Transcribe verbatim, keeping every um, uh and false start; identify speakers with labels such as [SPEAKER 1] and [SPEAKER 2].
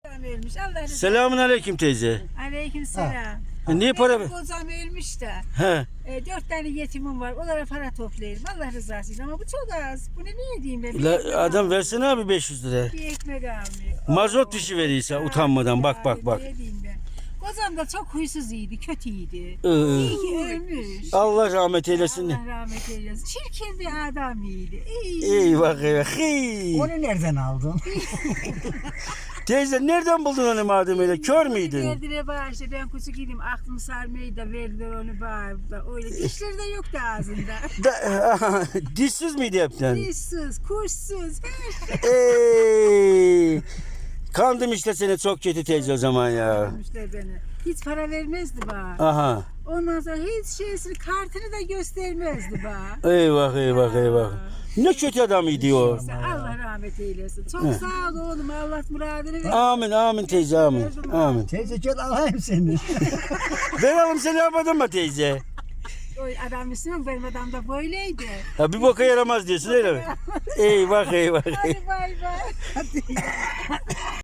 [SPEAKER 1] Ölmüş. Allah razı olsun.
[SPEAKER 2] Selamun aleyküm teyze.
[SPEAKER 1] Aleyküm selam.
[SPEAKER 2] E, niye para ver?
[SPEAKER 1] Benim kocam ölmüş de.
[SPEAKER 2] He.
[SPEAKER 1] E, dört tane yetimim var. Onlara para toplayayım. Allah rızası için. Ama bu çok az. Bu ne niye diyeyim ben? Bir
[SPEAKER 2] La,
[SPEAKER 1] ekmek
[SPEAKER 2] adam
[SPEAKER 1] al-
[SPEAKER 2] versene abi beş yüz lira.
[SPEAKER 1] Bir ekmek almıyor.
[SPEAKER 2] Mazot
[SPEAKER 1] Oo.
[SPEAKER 2] dışı verirse utanmadan bak bak bak.
[SPEAKER 1] Ne diyeyim ben? Kocam da çok huysuz iyiydi. Kötüydü.
[SPEAKER 2] Ee,
[SPEAKER 1] İyi ki ölmüş.
[SPEAKER 2] Allah rahmet eylesin.
[SPEAKER 1] Allah rahmet eylesin. Çirkin bir adamıydı. İyi.
[SPEAKER 2] Eyvah eyvah. Hey.
[SPEAKER 3] Onu nereden aldın?
[SPEAKER 2] Teyze nereden buldun onu madem öyle? Kör müydün?
[SPEAKER 1] Verdiler bana işte ben küçük idim aklım sarmayı da verdiler onu bana. Öyle dişleri de yoktu ağzında.
[SPEAKER 2] Da, dişsiz miydi hepten?
[SPEAKER 1] Dişsiz, kuşsuz.
[SPEAKER 2] Ey. Kandım işte seni çok kötü teyze o zaman ya.
[SPEAKER 1] Vermişler beni. Hiç para vermezdi bana.
[SPEAKER 2] Aha.
[SPEAKER 1] Ondan sonra hiç şeysini kartını da göstermezdi bana.
[SPEAKER 2] Eyvah eyvah eyvah. Ne kötü adamıydı o.
[SPEAKER 1] Neyse, Allah rahmet eylesin. Çok sağ ol oğlum. Allah muradını ver.
[SPEAKER 2] Amin amin teyze amin. Amin.
[SPEAKER 3] Teyze gel alayım seni.
[SPEAKER 2] Verelim seni yapmadın mı teyze?
[SPEAKER 1] O adam Müslüman benim adam da böyleydi.
[SPEAKER 2] Ha, bir boka yaramaz diyorsun öyle mi? Eyvah eyvah eyvah.
[SPEAKER 1] Hadi bay bay.